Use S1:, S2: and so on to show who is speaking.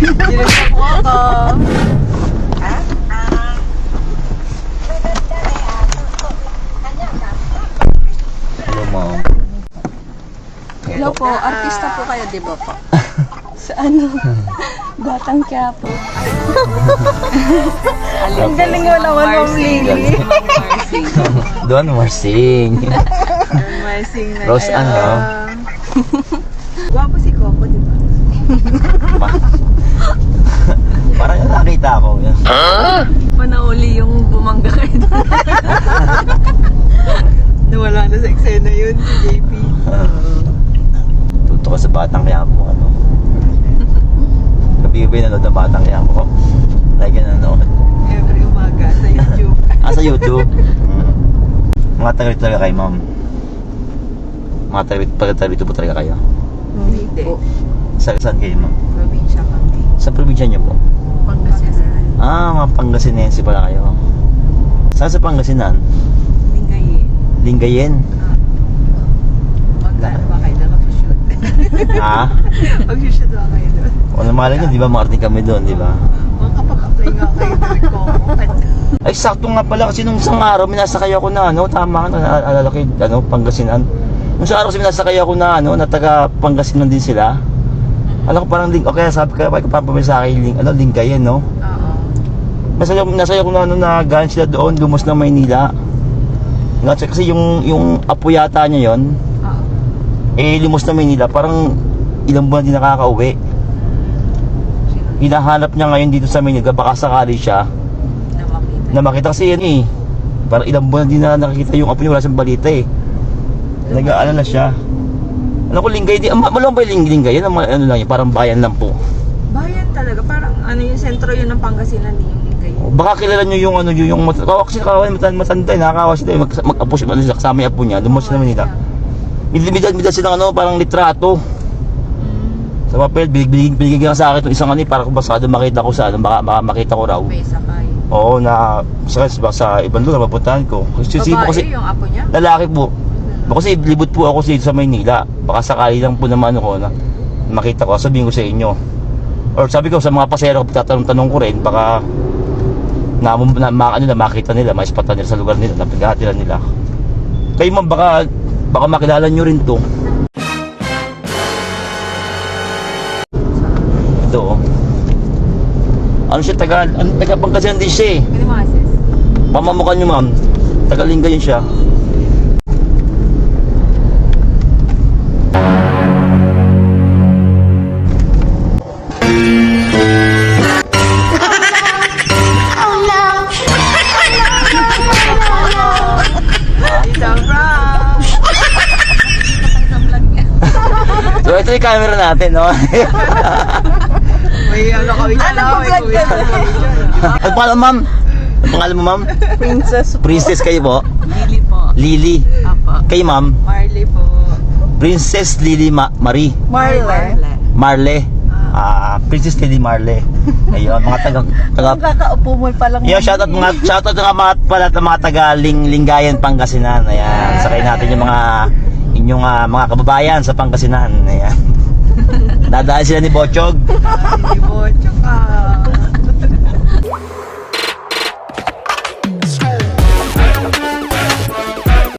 S1: Dinagdag mo ako.
S2: Hello, ma'am.
S3: Hello po, artista po kayo, di ba po? Sa ano? Batang Quiapo. Ang galing mo naman, Ma'am Lily.
S2: Doon, Marsing.
S1: Marsing na.
S2: Rose Ann, no?
S1: Gwapo si Coco, di ba?
S2: Parang yung nakita ako.
S3: Panauli yung bumangga kayo.
S1: Nawala na sa eksena yun, si JP.
S2: Tuto ko sa Batang Quiapo, ano. Gabi-gabi nanood ng Batang Quiapo. Like yun nanood.
S1: Every umaga sa YouTube.
S2: Sa YouTube. Mga taga talaga kayo, ma'am. Mga taga-rito po talaga kayo.
S1: Hindi.
S2: Saan kayo, ma'am?
S1: Probinsya kami.
S2: Sa probinsya niyo po?
S1: Pangasinan.
S2: Mga Pangasinense pala kayo. Saan sa Pangasinan?
S1: Lingayin.
S2: Lingayen.
S1: Magkano ba kayo na mag-shoot?
S2: Ha?
S1: Mag-shoot ba kayo doon?
S2: O naman nyo, di ba? Marting kami doon, di ba?
S1: Makapag-apply nga kayo doon, Coco.
S2: Ay, sakto nga pala kasi nung isang araw, minasakay ako na, ano, tama ka, naalala ko, ano, Pangasinan. Nung isang araw kasi minasakay ako na, ano, na taga Pangasinan din sila. Alam ko parang, okay, sabi ko, papapamay sa akin, Lingayen, no?
S1: Oo.
S2: Nasaya ko na, ano, na galing sila doon, lumos na Maynila. Kasi yung apo yata niya yon,
S1: Oo.
S2: lumos na Maynila, parang ilang buwan din nakakauwi. Hinahanap niya ngayon dito sa Maynila, baka sakali siya na makita kasi yan eh. Parang ilang buwan din na nakikita yung apo niya, wala siyang balita eh. Nag-aalala siya. Ano ko, Linggay din, malang ba yung Linggay? Yan, ano lang yun, parang bayan lang po.
S1: Bayan talaga, parang ano yung sentro yun ng Pangasinan din yung Lingayen.
S2: Baka kilala nyo yung ano yung kasi matanda, nakakawa sila, mag-apo siya, ano siya, kasama yung apo niya, lumos na Maynila. Midad silang ano, parang litrato. Sa papel, binigyan sa akin itong isang ano, para kung basado makita ko sa ano, baka makita ko raw.
S1: May sakay.
S2: Oo, na sa ibang lugar, mapuntahan ko.
S1: Babae yung apo niya?
S2: Lalaki po. Kasi libot po ako dito sa Maynila. Baka sakali lang po naman ako na makita ko, sabihin ko sa inyo. Or sabi ko sa mga pasero, tatanong ko rin, baka makita nila, maispatan nila sa lugar nila, napagahatiran nila. Kayo man, baka makilala nyo rin to. Ito, oh. Ano siya, taga Pangasinan din siya eh.
S1: Kalimases.
S2: Pamamukha nyo, ma'am. Taga Lingayen siya. So ito yung camera natin, no?
S1: May ano kami dyan, may kuya.
S2: Ang pangalan, ma'am? Ang pangalan mo, ma'am? Princess kayo po?
S1: Lily po.
S2: Lily.
S1: Apa.
S2: Kayo, ma'am?
S1: Marley po.
S2: Princess Lily Marie. Marle. Princess Lily Marle. Ayun, mga taga
S3: Kakaupo mo pa lang.
S2: Yo, shoutout nga mga taga Lingayen, Pangasinan. Ayan, sakay natin yung inyong mga kababayan sa Pangasinan. Ayan. Dadaan sila ni Bochog.
S1: Hindi po, tsaka